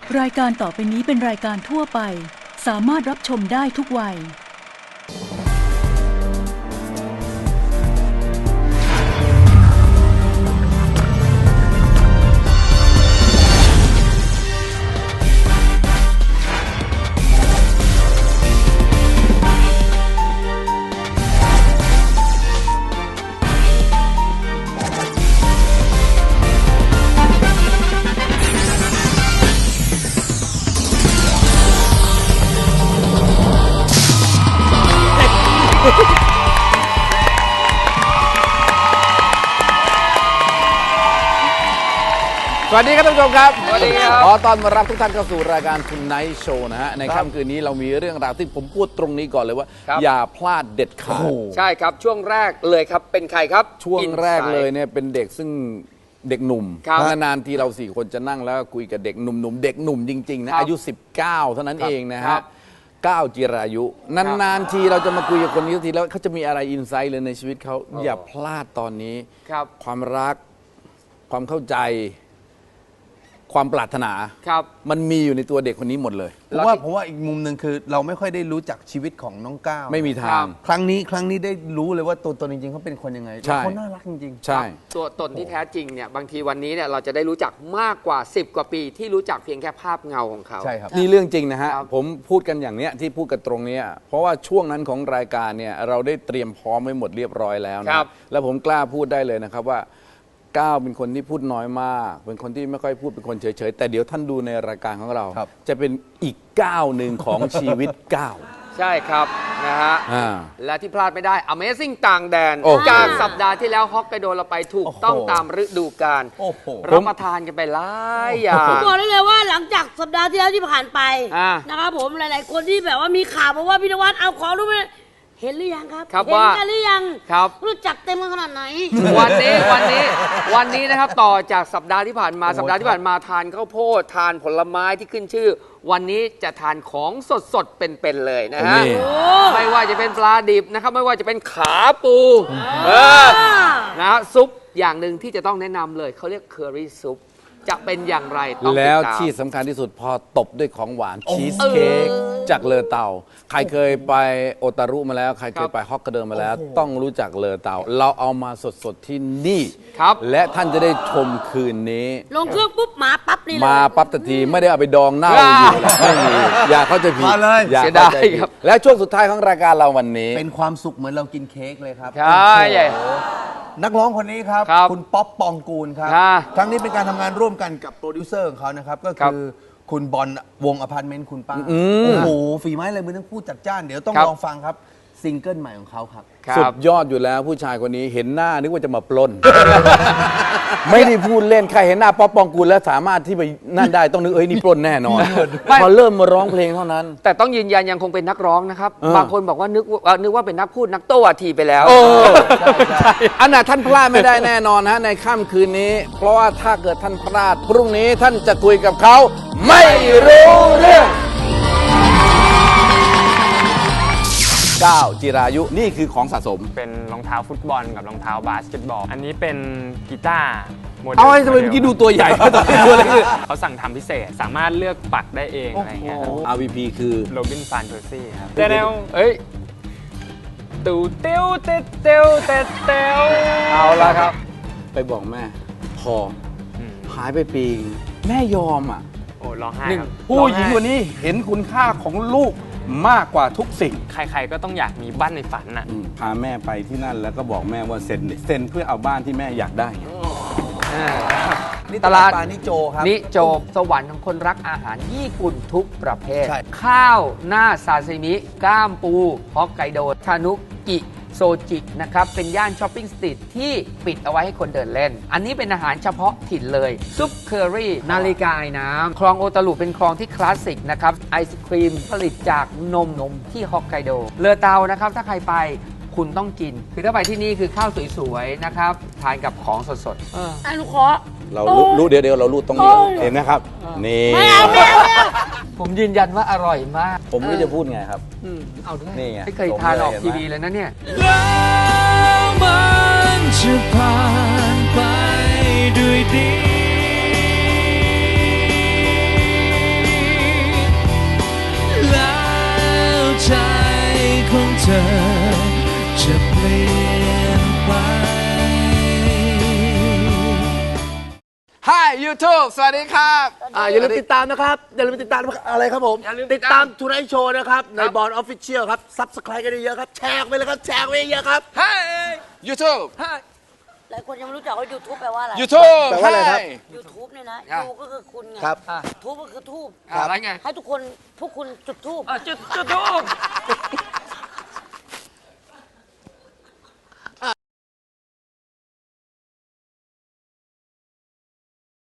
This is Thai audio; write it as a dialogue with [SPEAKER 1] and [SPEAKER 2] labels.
[SPEAKER 1] รายการต่อไปนี้เป็นรายการทั่วไปสามารถรับชมได้ทุกวัย
[SPEAKER 2] สวัสดีครับท่านผู้ชมครับ
[SPEAKER 3] สวัสดีครับ
[SPEAKER 2] ขอต้อนรับทุกท่านเข้าสู่รายการคุณไนท์โชว์นะฮะในค่ำคืนนี้เรามีเรื่องราวที่ผมพูดตรงนี้ก่อนเลยว่าอย่าพลาดเด็ดขาด
[SPEAKER 3] ใช่ครับช่วงแรกเลยครับเป็นใครครับ
[SPEAKER 2] ช่วงแรกเลยเนี่ยเป็นเด็กซึ่งเด็กหนุ่มนานๆทีเรา4คนจะนั่งแล้วคุยกับเด็กหนุ่มเด็กหนุ่มจริงๆนะอายุ19เท่านั้นเองนะฮะ9จิรายุนานๆทีเราจะมาคุยกับคนนี้ทีแล้วเขาจะมีอะไรอินไซต์เลยในชีวิตเขาอย่าพลาดตอนนี้ความรักความเข้าใจความปรารถนามันมีอยู่ในตัวเด็กคนนี้หมดเลย
[SPEAKER 4] ผมว่าอีกมุมหนึ่งคือเราไม่ค่อยได้รู้จักชีวิตของน้องก้าว
[SPEAKER 2] ไม่มีทาง
[SPEAKER 4] ครั้งนี้ได้รู้เลยว่าตัวตนจริงๆเขาเป็นคนยังไงเขาน่ารักจริง
[SPEAKER 2] ๆใช่
[SPEAKER 3] ตัวตนที่แท้จริงเนี่ยบางทีวันนี้เนี่ยเราจะได้รู้จักมากกว่า10กว่าปีที่รู้จักเพียงแค่ภาพเงาของเขา
[SPEAKER 4] ใช่ครับ
[SPEAKER 2] นี่เรื่องจริงนะฮะผมพูดกันอย่างเนี้ยที่พูดกันตรงนี้เพราะว่าช่วงนั้นของรายการเนี่ยเราได้เตรียมพร้อมไว้หมดเรียบร้อยแล้วนะแล้วผมกล้าพูดได้เลยนะครับว่าก้าวเป็นคนที่พูดน้อยมากเป็นคนที่ไม่ค่อยพูดเป็นคนเฉยๆแต่เดี๋ยวท่านดูในรายการของเราจะเป็นอีกก้าวหนึ่งของชีวิตก้าว
[SPEAKER 3] ใช่ครับนะฮะและที่พลาดไม่ได้ Amazing ต่างแดนจากสัปดาห์ที่แล้วฮอกไกโดเราไปถูกต้องตามฤดูกาลรับประทานกันไปหลายอย่าง
[SPEAKER 5] บอกได้เลยว่าหลังจากสัปดาห์ที่แล้วที่ผ่านไปนะครับผมหลายๆคนที่แบบว่ามีข่าวมาว่าพี่นวัดเอาของรู้ไหมเห็นหรือยังครับเห็นกันหรือยังรู้จักเต็มขนาดไหน
[SPEAKER 3] วันนี้นะครับต่อจากสัปดาห์ที่ผ่านมาทานข้าวโพดทานผลไม้ที่ขึ้นชื่อวันนี้จะทานของสดๆเป็นๆเลยนะฮะไม่ว่าจะเป็นปลาดิบนะครับไม่ว่าจะเป็นขาปูนะซุปอย่างหนึ่งที่จะต้องแนะนำเลยเขาเรียกเคอรี่ซุปจะเป็นอย่างไรต้องติดตาม
[SPEAKER 2] แล้วที่สำคัญที่สุดพอตบด้วยของหวานชีสเค้กจากเลอเตาใครเคยไปโอตารุมาแล้วใครเคยไปฮอกไกโดมาแล้วต้องรู้จักเลอเตาเราเอามาสดๆที่นี่และท่านจะได้ชมคืนนี้
[SPEAKER 5] ลงเครื่องปุ๊บมาปั๊บนี่เลย
[SPEAKER 2] มาปั๊บทันทีไม่ได้เอาไปดองเน่าอยู่ไม่มีอย่าเข้าใจผิด
[SPEAKER 3] อย่าเข้าใจผิด
[SPEAKER 2] และช่วงสุดท้ายของรายการเราวันนี้
[SPEAKER 4] เป็นความสุขเหมือนเรากินเค้กเลยครับ
[SPEAKER 3] ใช่
[SPEAKER 4] นักร้องคนนี้ครับคุณป๊อปปองกูลครับครั้งนี้เป็นการทำงานร่วมกันกับโปรดิวเซอร์ของเขานะครับก็คือคุณบอลวงอพาร์ตเมนต์คุณป้าโอ้โหฝีไม้ลายมือทั้งคู่จัดจ้านเดี๋ยวต้องลองฟังครับซิงเกิลใหม่ของเขาครับ
[SPEAKER 2] สุดยอดอยู่แล้วผู้ชายคนนี้เห็นหน้านึกว่าจะมาปล้น ไม่ได้พูดเล่นใครเห็นหน้าป๊อปปองกูลแล้วสามารถที่ไปนั่นได้ต้องนึกนี่ปล้นแน่นอนพอเริ่มมาร้องเพลงเท่านั้น
[SPEAKER 3] แต่ต้องยืนยันยังคงเป็นนักร้องนะครับบางคนบอกว่านึกว่าเป็นนักพูดนักโต้วาทีไปแล้ว
[SPEAKER 2] อันน่ะท่านพลาดไม่ได้แน่นอนนะในค่ำคืนนี้เพราะว่าถ้าเกิดท่านพลาดพรุ่งนี้ท่านจะคุยกับเขาไม่รู้เรื่องก้าวจิรายุนี่คือของสะสม
[SPEAKER 6] เป็นรองเท้าฟุตบอลกับรองเท้าบาสเกตบอลอันนี้เป็นกีตาร์โมเดล
[SPEAKER 2] เอาไอ้ทำไมเมื่อกี้ดูตัวใหญ่ตัวเล็ก
[SPEAKER 6] เขาสั่งทำพิเศษสามารถเลือกปักได้เองอะไรเงี้ย
[SPEAKER 2] RVP คือ
[SPEAKER 6] โรบินฟานเพอร์ซี่ครับเดี๋ยวเอ้ยตูเตียวเตเตียวเตเตียว
[SPEAKER 2] เอาละครับไปบอกแม่พอหายไปปีแม่ยอมอ่ะ
[SPEAKER 6] โอ้ร้องไห้ครับ
[SPEAKER 2] ผู้หญิงคนนี้เห็นคุณค่าของลูกมากกว่าทุกสิ่ง
[SPEAKER 6] ใครๆก็ต้องอยากมีบ้านในฝันน่ะ
[SPEAKER 2] พาแม่ไปที่นั่นแล้วก็บอกแม่ว่าเซ็นเพื่อเอาบ้านที่แม่อยากได้
[SPEAKER 4] ตลาดนิโจครับ
[SPEAKER 3] นิโจสวรรค์ของคนรักอาหารญี่ปุ่นทุกประเภทข้าวหน้าซาซิมิก้ามปูฮอกไกโดทานุกิโซจินะครับเป็นย่านช้อปปิ้งสตรีทที่ปิดเอาไว้ให้คนเดินเล่นอันนี้เป็นอาหารเฉพาะถิ่นเลยซุปเคอรี่นาฬิกาไอ้น้ำคลองโอตารุเป็นคลองที่คลาสสิกนะครับไอศครีมผลิตจากนมที่ฮอกไกโดเลอเตานะครับถ้าใครไปคุณต้องกินคือถ้าไปที่นี่คือข้าวสวยๆนะครับทานกับของสด
[SPEAKER 5] ๆลูกขอ
[SPEAKER 2] เรารู้เดี๋ยวเรารู้ตรงนี้เห็นนะครับนี่
[SPEAKER 5] ไม่เอา
[SPEAKER 3] ผมยืนยันว่าอร่อยมาก
[SPEAKER 2] ผมไม่จะพูดไงครับ
[SPEAKER 3] เอาด้วยนี่ไงไม่เคยทานออกทีวีเลยนะเนี่ย
[SPEAKER 7] แล้วมันจะผ่านไปด้วยดีอจะเปลี่ยนไป
[SPEAKER 2] Hi YouTube สวัสดีครับ
[SPEAKER 4] อย่าลืมติดตามนะครับ อย่าลืมติดตามอะไรครับผม ติดตามทูไนท์โชว์นะครับ ในบอลออฟฟิเชียลครับ ซับสไครต์กันเยอะๆครับ แชร์ไปเลยครับ แชร์ไปเยอะๆครับ
[SPEAKER 2] Hi YouTube
[SPEAKER 5] หลายคนยังไม่รู้จักว่า YouTube แปลว่าอะไร
[SPEAKER 2] YouTube
[SPEAKER 4] แปลว่าอะไรครับ
[SPEAKER 5] YouTube เนี่ยนะ
[SPEAKER 2] ครับ
[SPEAKER 5] ยูก็คือคุณไง
[SPEAKER 4] ครับ
[SPEAKER 5] ทูบก็คือทูบ
[SPEAKER 3] อะไรไง
[SPEAKER 5] ให้ทุกคนพวกคุณจุดทูบ
[SPEAKER 3] จุดทูบ